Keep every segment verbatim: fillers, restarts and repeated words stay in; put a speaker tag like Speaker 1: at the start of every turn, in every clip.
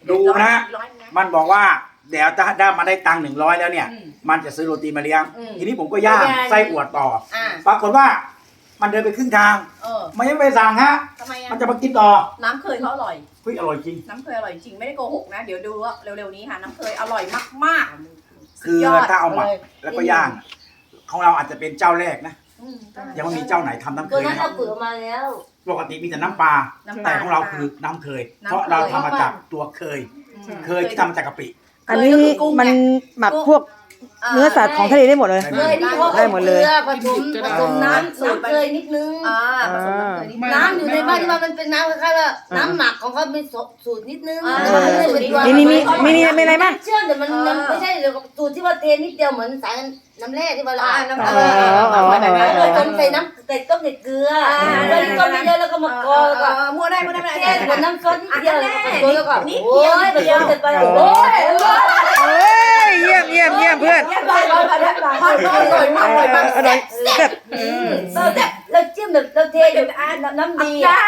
Speaker 1: ดูนะมันบอกว่าเดี๋ยวถ้าได้มาได้ตังค์หนึ่งร้อยแล้วเนี่ยมันจะซื้อโรตีมาเลี้ยงทีนี้ผมก็ย่างไส้อวดต่อปรากฏว่ามันเดินไปครึ่งทางมันยังไม่สั่งฮะมันจะมากินต่อ
Speaker 2: น้ำเคยเขาอร่อย
Speaker 1: เฮ้ยอร่อยจริง
Speaker 2: น้ำเคยอร่อยจริงไม่ได้โกหกนะเดี๋ยวดูว่าเร็วๆนี้ค่ะน้ำเคยอร่อยมากๆ
Speaker 1: คือถ้าเอาหมักแล้วก็ย่างของเราอาจจะเป็นเจ้าแรกนะยังไม่มีเจ้าไหนทำน้ำเคย
Speaker 3: นะเราเปิดมาแล้ว
Speaker 1: ปกติมีแต่น้ำปลาแต่ของเราคือน้ำเคยเพราะเราทำมาจากตัวเคยเคยที่ทำมาจากกะปิ
Speaker 4: อันนี้มันหมักพวกเนื้อสัตว์ของทะเลได้หมดเลยได้หมดเลย
Speaker 3: ผสมผสมน้ำสูตรเคยนิดนึงน้ำอยู่ในบ้านที่ว่ามันเป็นน้ำคล้ายๆว่าน้ำหมักของเขาเป็นสูตรนิดนึง
Speaker 4: นี่นี่มีมีนี่ไม่อะไรบ้าง
Speaker 3: เชื่อแต่มันไม่ใช่สูตรที่ว่าเทนิดเดียวเหมือนสายน้ำแร่ที่ว่าเราน้ำเออต้มใส่น้ำใส่ต้มใส่เกลือแล้วต้มเยอะแล้วก็มากรอก
Speaker 2: มั่วได้มั่วได้
Speaker 3: แค่เหมือนน้ำซอสนิดเดียวแล้วก็นิดเดียวไปเสร็จไปโอ้ย
Speaker 4: เยี่ยมเยี่ยมเยี่ยมเพื่อน
Speaker 2: อร่อยอร่อยอร่อยมากอร่อยมาก
Speaker 4: อร่อยแซ่บ
Speaker 3: เราจิ้มแบบเราเทแบบน้ำดีอ่ะ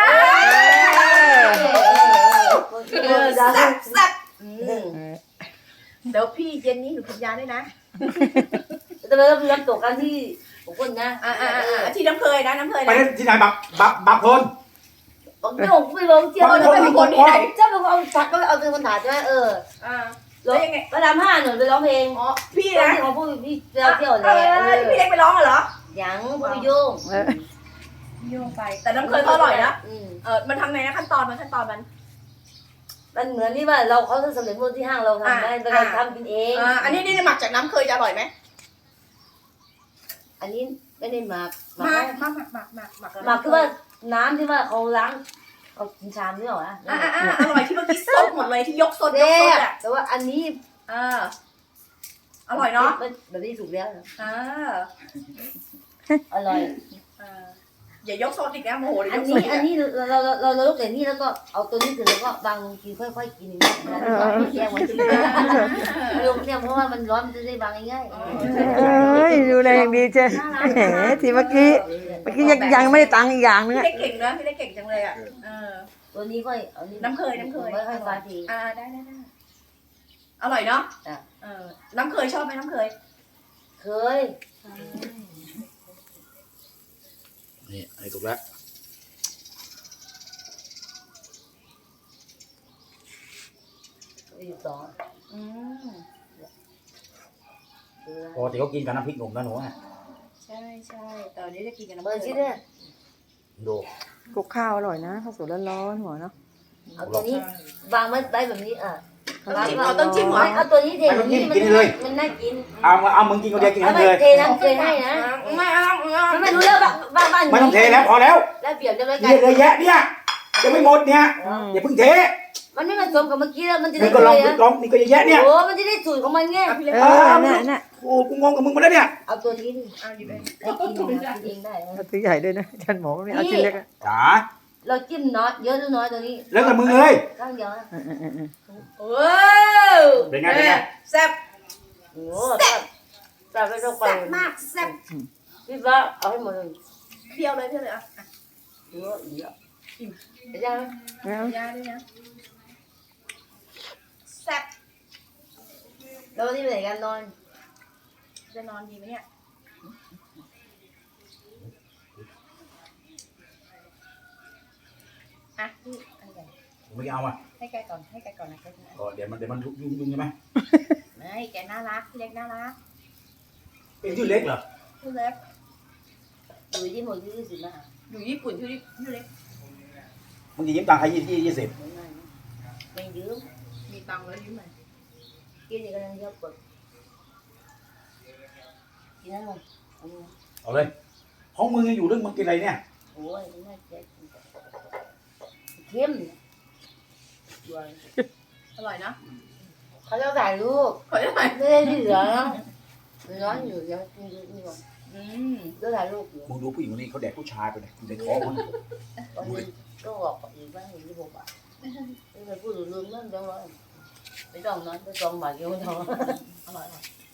Speaker 2: แซ่บแซ่บเดี๋ยวพี่เย็นนี้หนูกินยาด้วยนะ
Speaker 3: แต่เราเริ่มตกกันที่ผมคนนะ
Speaker 2: ที่น้ำเคยนะน้ำเคย
Speaker 1: ไปที่ไหนบักบักบักคน
Speaker 3: ผมไม่ผมไม่บอกเที่ยว
Speaker 2: แล้วเป็นคนที่ไหน
Speaker 3: เจ้าเป็นคนเอาสักก็เอาเป็นคนถ่ายใช่ไหมเออ
Speaker 2: แล้วยังไง
Speaker 3: ประดามห้าหนูไปร้องเพลง
Speaker 2: อ๋อพี่นะ
Speaker 3: ของผู้พี่เที่ยวเที่ยวเลย
Speaker 2: พี่เล็กไปร้องเหรอ
Speaker 3: ยังผู้โยง
Speaker 2: โยงไปแต่น้ำเคยอร่อยนะเออมันทำไงนะขั้นตอนมันขั้นตอนมัน
Speaker 3: มันเหมือนที่ว่าเราเขาจะสำเร็จรูปที่ห้างเราทำได้เราทำกินเอง
Speaker 2: อันนี้นี่หมักจากน้ำเคยจะอร่อยไหม
Speaker 3: อันนี้ไม่ได้หมัก
Speaker 2: หมักหมักหมักหมักหมัก
Speaker 3: หมักคือว่าน้ำที่ว่าเขาล้างเขากินชามนี่หรออ่ะ
Speaker 2: อ่าอ่าอร่อยที่เมื่อกี้ซดหมดเลยที่ยกซดยกซดอ่ะ
Speaker 3: แต่ว่าอันนี้
Speaker 2: เอออร่อยเนาะ
Speaker 3: แบบนี้ถูกแล้ว
Speaker 2: อ่า
Speaker 3: อร่อย
Speaker 2: อย่ายกโซนอีกนะโมโหเลย
Speaker 3: อันนี้อันนี้เราเราเราเราลุกแต่นี่แล้วก็เอาตัวนี้ถึงแล้วก็บางทีค่อยๆกินอย่างนี้แก้วันที่ลุกเนี่ยเพราะว่ามันร้อนมันจะได้บางง่าย
Speaker 4: เอ้ยดูแลอย่างดีเจ้แหมทีเมื่อกี้เมื่อกี้ยังยังไม่ได้ตังค์อีกอย่างนึง
Speaker 2: พี่ได้เก่งนะพี่ได้เก่งจังเลยอ่ะ
Speaker 3: ตัวนี้ก็
Speaker 2: น้ำเคยน้ำเคย
Speaker 3: ค่อยๆฟาที
Speaker 2: อ่าได้ได้ได้อร่อยเนาะเออน้ำเคยชอบไหมน้ำเคย
Speaker 3: เคย
Speaker 1: นี่ไอ้ถูกแล้ว
Speaker 3: สอง
Speaker 2: อืม
Speaker 1: ปกติเขากินกับน้ำพริกหนุ่มนะหนูอ่ะ
Speaker 2: ใช่ใช่ตอนนี้จะกินกับน้ำ
Speaker 3: เบอร์ชิ้นเนี่ย
Speaker 1: ดู
Speaker 4: กุกข้าวอร่อยนะข้าวสวยร้อนๆหัวเนาะ
Speaker 3: เอาตัวนี้วางไว้ได้แบบนี้อ่ะ
Speaker 2: เอาต้องจิ้มเหรอ
Speaker 3: เอาตัวนี้เทแบบนี้มันมันน่ากิน
Speaker 1: เอาเอามึงกินคนเดียวกินกันเลย
Speaker 3: เทน้ำเทให้นะ
Speaker 2: ไม่เอา
Speaker 3: ไม่รู้แล้วบ้านบ้าน
Speaker 1: ไม่ต้องเทแล้วพอแล้ว
Speaker 3: แล้วเปรียบจะไม่
Speaker 1: กันเลยแยะเนี่ยจะไม่หมดเนี่ยอย่าเพิ่งเท
Speaker 3: มันไม่ผสมกับเมื่อกี้แล้วมันจะ
Speaker 1: ได้ก็ลองลองนี่ก็แยะเนี่ย
Speaker 3: โอ้มันจะได้สูตรของมันไง
Speaker 4: เออน่ะน่ะ
Speaker 1: โอ้กูงงกับมึงหมดแล้วเนี่ย
Speaker 3: เอาตัวนี้ดิเอาหยิบเองได้กินเองได้
Speaker 4: เอาตัวใหญ่ด้วยนะฉันหมอไม่เอาชิ้นเล็กอ่ะ
Speaker 1: จ๋า
Speaker 3: เราจิ้มน้อยเยอะหรือน้อยตัวนี้
Speaker 1: แล้วแต่มึงเลย
Speaker 3: ข้างเดียว
Speaker 2: โอ้
Speaker 1: เป็นไงเป็นไง
Speaker 2: แซ่บ
Speaker 3: โอ้แซ่บแซ่บไปต้องไป
Speaker 2: แซ่บมากแซ่บ
Speaker 3: พี่ฟ้าเอาให้หมดเลย
Speaker 2: เพียวเลยเพียวเลยอ่ะ
Speaker 3: เยอะเยอะอิ่มได้ไหม
Speaker 2: ได้ด้วยนะแซ่บ
Speaker 3: แล้ววันนี้ไปไหนกันนอน
Speaker 2: จะนอนดีไหมเนี่ยอ่ะพี่อันใหญ่
Speaker 1: ไม่เอาอ่ะ
Speaker 2: ให้แกก่อนให้แกก่อนนะ
Speaker 1: ก็เดี๋ยวมันเดี๋ยวมันยุ่งยุ่งใช่ไหม
Speaker 2: ไม่แกน่ารักพี่เล็กน่ารัก
Speaker 1: เป็นชื่อเล็กเหรอ
Speaker 2: ชื่อเล็ก
Speaker 3: อยู่ที่หมดที่ยี่สิบนะ
Speaker 2: อยู่ญี่ปุ่นชื่อชื่อเล็ก
Speaker 1: มึงจะยืมตังค์ใครยี่สิบยี่สิบ
Speaker 3: ไม่ยืม
Speaker 2: มีตังค์แล้วยืมไหม
Speaker 3: กินอีกกำลังเยอะกดกินนั่นเลย
Speaker 1: เอาเลยห้องมึงยังอยู่เรื่องมึงกินอะไรเนี่ย
Speaker 3: โอ้ยน่าเจ็บเข้ม
Speaker 2: อร่อยนะ
Speaker 3: เขาจะถ่ายรูป
Speaker 2: เขาจะถ่าย
Speaker 3: ไม่ได้เหลือร้อนอยู่ยังกินนี่ก่อน
Speaker 2: อืม
Speaker 3: จะถ่ายรูปอยู่
Speaker 1: มึงดูผู้หญิงคนนี้เขาแดกผู้ชายไปเลยในท้องมัน
Speaker 3: ก็บอกอีกว่าเห็นที่ผมอ่ะไม่เคยพูดลืมนั่นจังเลยไม่ต้องนั้นไปจองบาทเดียวไม่ต้องอร่อย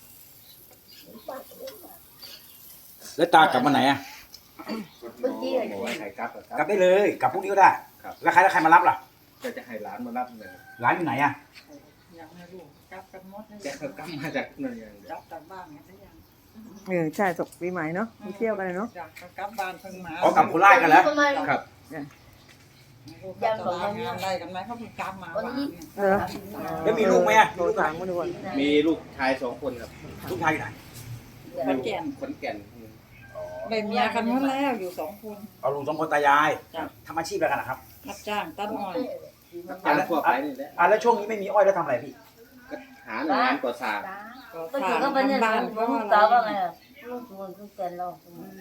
Speaker 1: แล้วตากลับมาไหนอ่ะ
Speaker 3: เมื่อกี้
Speaker 1: กลับได้เลยกลับพรุ่งนี้ก็ได้แล้วใครแล้วใครมารับล่ะ
Speaker 5: จะจะให้ร้านมารับเลย
Speaker 1: ร้านอยู่ไหนอ่ะ
Speaker 6: ยังไม่รู้กลับกันหมดเลย
Speaker 5: แกเขากลับมาจากนั่นอย่างเดียว
Speaker 6: กลับกลับบ้านไงได้ยัง
Speaker 4: เออใช่จบปีใหม่เนาะไปเที่ยวกันเลยเนาะ
Speaker 6: อยากกลับบ้านเพิ่งมา
Speaker 1: อ๋อกลับโคราชกันแล้ว
Speaker 3: ประมาณ
Speaker 5: ครับ
Speaker 6: จะลางานอะไรกันไหมเขาเพิ่งกลับมาบ้านเนี่ย
Speaker 4: เออ
Speaker 1: แล้วมีลูกไหมอ่ะ
Speaker 4: โทรถามมาดูก่อน
Speaker 5: มีลูกชายสองคนครับ
Speaker 1: ลูกชายอยู่ไหน
Speaker 6: ขอนแก่น
Speaker 5: ขอนแก่น
Speaker 6: ได้เมียกันหมดแล้วอยู่สองคน
Speaker 1: เอาลุงสองคนตายาย
Speaker 6: จ้ะ
Speaker 1: ทำอาชีพอะไรกันนะครับ
Speaker 6: รับจ้างตัดอ้อย
Speaker 5: งานทั่วไปนี่แหละ
Speaker 1: อ่ะแล้วช่วงนี้ไม่มีอ้อยแล้วทำอะไรพี่
Speaker 5: ก็หาหน่วยงานก่อสร้าง
Speaker 6: ก็
Speaker 3: ก็
Speaker 6: ส
Speaker 3: อยู่
Speaker 6: ร้าง
Speaker 3: ก็เป็นเนี่ย
Speaker 6: บ้าน
Speaker 3: ลู
Speaker 6: ก็
Speaker 3: ก
Speaker 6: อะไร
Speaker 3: สาวว่าไงอ่ะลูกชวนลูกแฟนเรา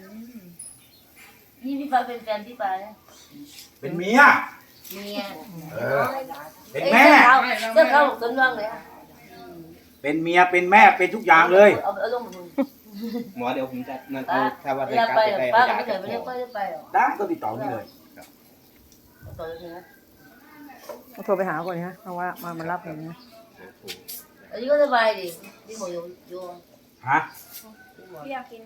Speaker 3: นี่พี่ฟ้าเป็นแฟนพี่ฟ้าเนี่ย
Speaker 1: เป็นเมีย
Speaker 3: เมีย
Speaker 1: เออ เป็นแม่
Speaker 3: เจ้าเขาสนว่างเลยอ่ะ
Speaker 1: เป็นเมีย เป็นแม่ เป็นทุกอย่างเลย
Speaker 3: เอาเอาลงมาดู
Speaker 5: หมอเดี๋ยวผมจะนั่นเอาถ้าว่า
Speaker 3: เว
Speaker 5: ได้
Speaker 3: ลาก
Speaker 5: ลับ
Speaker 3: ไป
Speaker 5: ไปได้
Speaker 3: ป้าก็
Speaker 5: ยา
Speaker 3: ไม่เค
Speaker 5: จะ
Speaker 3: ยไป
Speaker 5: พ
Speaker 3: เรียก
Speaker 5: อ
Speaker 3: ป้าไปหรอ
Speaker 1: ได้ก็ติดต่อนี่เลย
Speaker 3: ต่อเลยนะ
Speaker 4: โทรไปหาก่อนนะเพราะว่ามามารับอย่างนี้
Speaker 3: อันนี้ก็สบายดิที่หมออยู่อยู่
Speaker 1: ฮะ
Speaker 2: พี่อยากกิน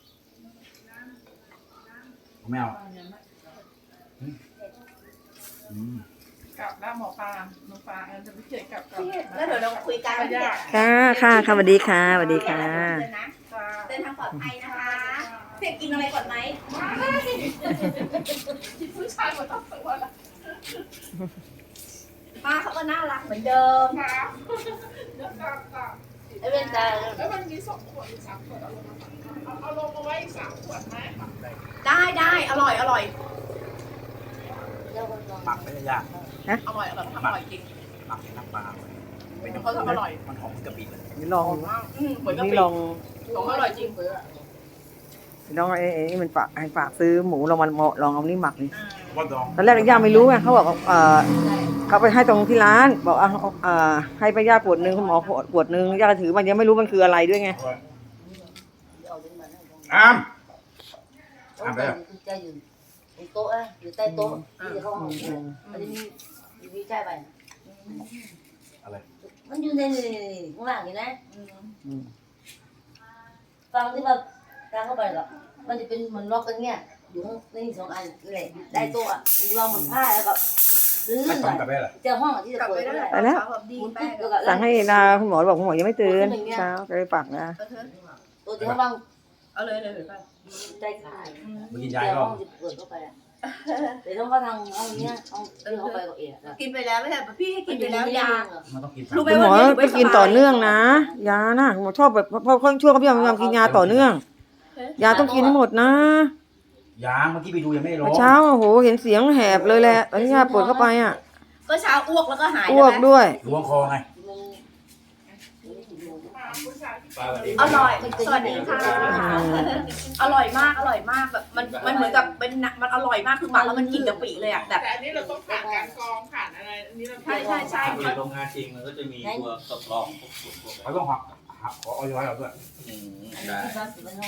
Speaker 1: ไม่เอาอืมอืม
Speaker 6: กลับแล้วหมอปลาหมอปลาจะไปเจอกับกับ
Speaker 2: แล้วเดี๋ยวเราคุยกัน
Speaker 6: ยาก
Speaker 4: ค่ะค่ะค่ะสวัสดีค่ะสวัสดีค่ะ
Speaker 2: เดินทางปลอดภัยนะคะเพียกินอะไรก่อนไหม
Speaker 6: ผู้ชายมาต้องสวยละ
Speaker 2: ป้าเขาก็น่ารักเหมือนเดิม
Speaker 6: ครับเดี๋ยวกลับกลับ
Speaker 3: ไอ้เวนตา
Speaker 6: แล้วมันมีสองขวดอีกสามขวดเอาลงมาเอาเอาลงมาไว้อีกสามขวดไหม
Speaker 2: ได้ได้อร่อยอร่อย
Speaker 1: หมักไม่ได้ยาก
Speaker 6: อร่อยอร่อยทำอร่อยจริง
Speaker 1: หมักน้ำปลาเป็น
Speaker 6: เขาทำอร่อย
Speaker 1: มันหอมกะปิเลย
Speaker 4: นี่ลอง
Speaker 6: อืมเหมือนกับ
Speaker 4: นี่
Speaker 6: ปี
Speaker 4: ลอง
Speaker 6: ของอร่อยจริงเบื่อ
Speaker 4: ลองไอ้ไอ้นี่มันฝากให้ฝากซื้อหมูลองมาลองเอานี่หมักดิ
Speaker 1: ว่าดอง
Speaker 4: ตอนแรกย่าไม่รู้ไงเขาบอกเออเขาไปให้ตรงที่ร้าน บอกอ่ะเออให้ไปย่าขวดนึงคุณหมอขวดนึงย่าถือมันยังไม่รู้มันคืออะไรด้วยไง
Speaker 1: อ้าม
Speaker 3: เอาไปจะอยู่บนโต๊ะอ่ะอยู่ใต้โต๊ะที่เขาห้องมันจะมีมีใช่ไป
Speaker 1: อะไร
Speaker 3: มันอยู่ในข้างล่างนี่นะฟังที่ว่าทางเข้าไปหรอมันจะเป็นเหมือนล็อกกันเงี้ยอยู่ในสองอันนี่แหละได้โต๊ะอ่ะมันจะวางบนผ้าแล้วก็ลื่
Speaker 1: ไม่
Speaker 3: น
Speaker 1: ต้อง
Speaker 3: ไป
Speaker 1: กลับไปเหรอ
Speaker 3: เจอห้องที่จะเปิดได้
Speaker 4: ไปแล้ว
Speaker 2: ดี
Speaker 3: หมุน
Speaker 2: ไป
Speaker 3: ติ๊กแล้วก็
Speaker 4: สั่งให้นาคุณหมอบอกคุณหมอยังไม่ตื่นเช้าจะไปปักนะ
Speaker 3: ตัวที่เขาวาง
Speaker 2: เอาเลยเลยไป
Speaker 3: ใจขาย
Speaker 1: เมื่อกี้
Speaker 3: เจ
Speaker 1: ย้าย
Speaker 3: อ
Speaker 1: ก็
Speaker 3: ห้องที่เปิดเข้าไปอ่ะเดี๋ยวต้องเข้าทางห้องเนี้ยห้องที่เข้าไปก็เอ๋อะ
Speaker 2: กินไปแล้วไม่ใช่พี่ให้กินไปแล้วยา
Speaker 1: มันต้องกิน
Speaker 2: รู้ไหม
Speaker 4: คุณหมอไปกินต่อเนื่องนะยานะคุณหมอชอบแบบพอช่วงเขาพยายามกินยาต่อเนื่อง ยาต้องกินให้หมดนะ
Speaker 1: ยางเมื่อกี้ไปดูยังไม่ได้ร้อ
Speaker 4: เมื่อง เช้าโอ้โหเห็นเสียงแหบเลยแหละตอนนี้ยาปวดเข้าไปอ่ะ
Speaker 2: ก็เช้าอ้วกแล้วก็หาย
Speaker 4: อ้วกด้วย
Speaker 1: ล้วงคอไง
Speaker 2: อร่อยสวัสดีค่ะอร่อยมากอร่อยมากแบบมันมันเหมือนกับเป็นมันอร่อยมากคือหมักแล้วมันกลิ่นกะปิเลยอ่ะแบบ
Speaker 6: แต่อันนี้เราต้องผ่านการกรองผ่านอะไรอันนี้เรา
Speaker 2: ใช่ใช่ใช่
Speaker 7: อยู่โรงงานจริงมันก็จะมีตัวทดลองพวกพวกพวก
Speaker 1: เขาต้องหักหักขอออยเราด้วย
Speaker 7: อืม
Speaker 3: อัน
Speaker 7: ได้
Speaker 3: นี้ที่บ้าน